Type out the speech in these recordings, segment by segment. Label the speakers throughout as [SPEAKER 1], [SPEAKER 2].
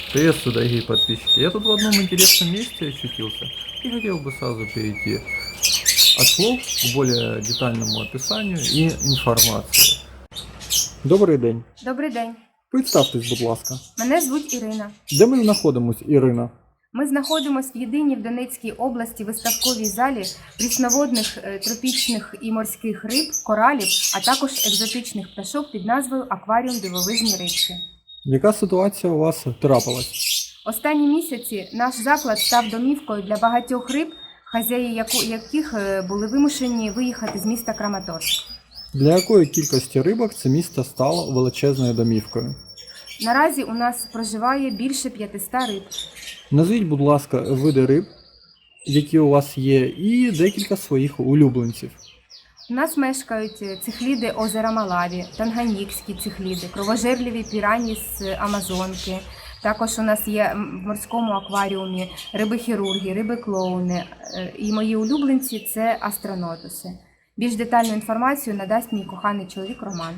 [SPEAKER 1] Приветствую, дорогие подписчики. Я тут в одном интересном месте очутился и хотел бы сразу перейти от слов к более детальному описанию и информации. Добрий день.
[SPEAKER 2] Добрий день.
[SPEAKER 1] Представтесь, будь ласка.
[SPEAKER 2] Мене звуть Ірина.
[SPEAKER 1] Де ми знаходимось, Ірина?
[SPEAKER 2] Ми знаходимося в єдиній в Донецькій області виставковій залі прісноводних, тропічних і морських риб, коралів, а також екзотичних пташок під назвою «Акваріум дивовижні рибки».
[SPEAKER 1] Яка ситуація у вас трапилась?
[SPEAKER 2] Останні місяці наш заклад став домівкою для багатьох риб, хазяї яких були вимушені виїхати з міста Краматорськ.
[SPEAKER 1] Для якої кількості рибок це місто стало величезною домівкою?
[SPEAKER 2] Наразі у нас проживає більше 500 риб.
[SPEAKER 1] Назвіть, будь ласка, види риб, які у вас є, і декілька своїх улюбленців.
[SPEAKER 2] У нас мешкають цихліди озера Малаві, танганікські цихліди, кровожерливі пірані з Амазонки. Також у нас є в морському акваріумі риби-хірурги, риби-клоуни. І мої улюбленці – це астронотуси. Більш детальну інформацію надасть мій коханий чоловік Роман.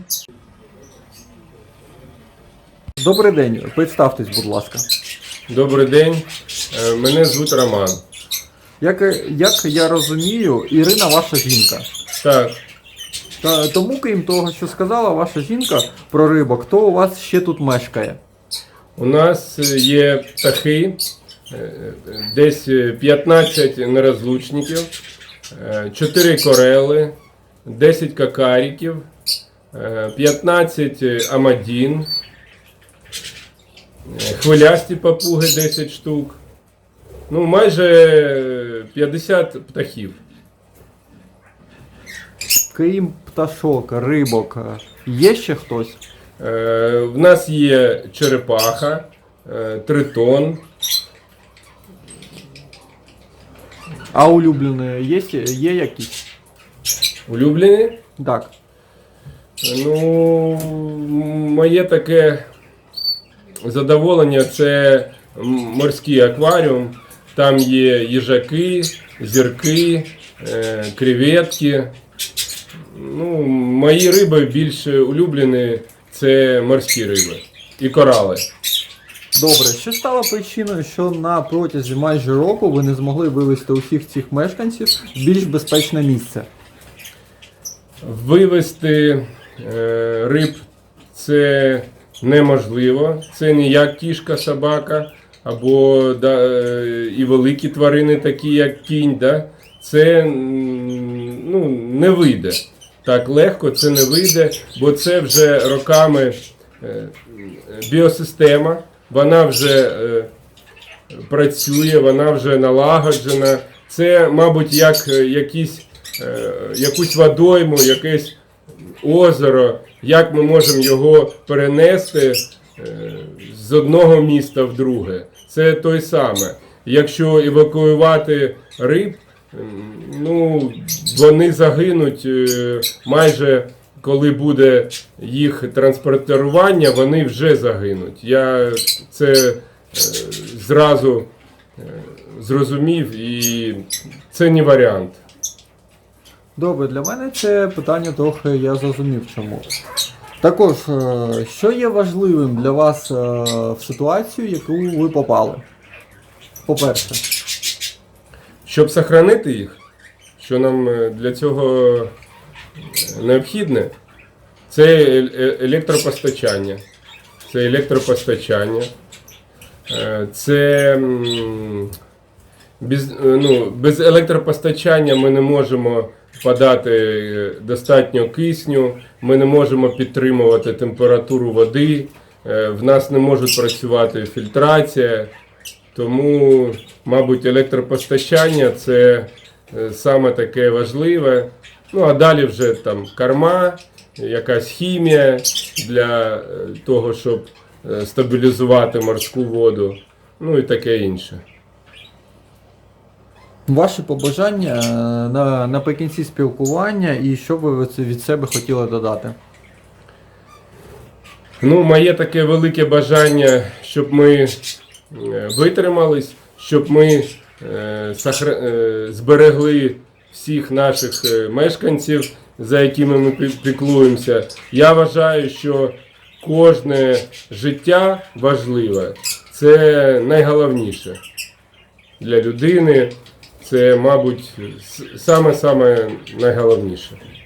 [SPEAKER 1] Добрий день, представтесь, будь ласка.
[SPEAKER 3] Добрий день, мене звуть Роман.
[SPEAKER 1] Як я розумію, Ірина ваша жінка.
[SPEAKER 3] Так,
[SPEAKER 1] Тому, крім того, що сказала ваша жінка про рибок, то у вас ще тут мешкає.
[SPEAKER 3] у нас є птахи, десь 15 нерозлучників, 4 корели, 10 какаріків, 15 амадін, хвилясті папуги 10 штук, ну майже 50 птахів.
[SPEAKER 1] Крім пташок, рибок, є ще хтось?
[SPEAKER 3] В нас є черепаха, тритон.
[SPEAKER 1] А улюблені є якісь?
[SPEAKER 3] Улюблені?
[SPEAKER 1] Так.
[SPEAKER 3] Ну, моє таке задоволення – це морський акваріум. Там є їжаки, зірки, креветки. Ну, мої риби більш улюблені – це морські риби і корали.
[SPEAKER 1] Добре, що стало причиною, що на протязі майже року ви не змогли вивезти усіх цих мешканців в більш безпечне місце?
[SPEAKER 3] Вивезти риб – це неможливо. Це не як кішка, собака або і великі тварини, такі як кінь. Да? Це не вийде. Так легко це не вийде, бо це вже роками біосистема, вона вже працює, вона вже налагоджена. Це, мабуть, як якусь водойму, якесь озеро, як ми можемо його перенести з одного міста в друге. Це той саме. Якщо евакуювати риб, ну, вони загинуть майже, коли буде їх транспортування, вони вже загинуть. Я це зразу зрозумів, і це не варіант.
[SPEAKER 1] Добре, для мене це питання трохи я зрозумів чому. Також, що є важливим для вас в ситуацію, в яку ви попали? По-перше.
[SPEAKER 3] Щоб сохранити їх, що нам для цього необхідне, це електропостачання. Це без електропостачання ми не можемо подати достатньо кисню, ми не можемо підтримувати температуру води, в нас не може працювати фільтрація. Тому, мабуть, електропостачання – це саме таке важливе. Ну, а далі вже там корма, якась хімія для того, щоб стабілізувати морську воду, ну і таке інше.
[SPEAKER 1] Ваші побажання наприкінці спілкування і що ви від себе хотіли додати?
[SPEAKER 3] Ну, моє таке велике бажання, щоб ми витримались, щоб ми зберегли всіх наших мешканців, за якими ми піклуємося. Я вважаю, що кожне життя важливе. Це найголовніше для людини. Це, мабуть, саме найголовніше.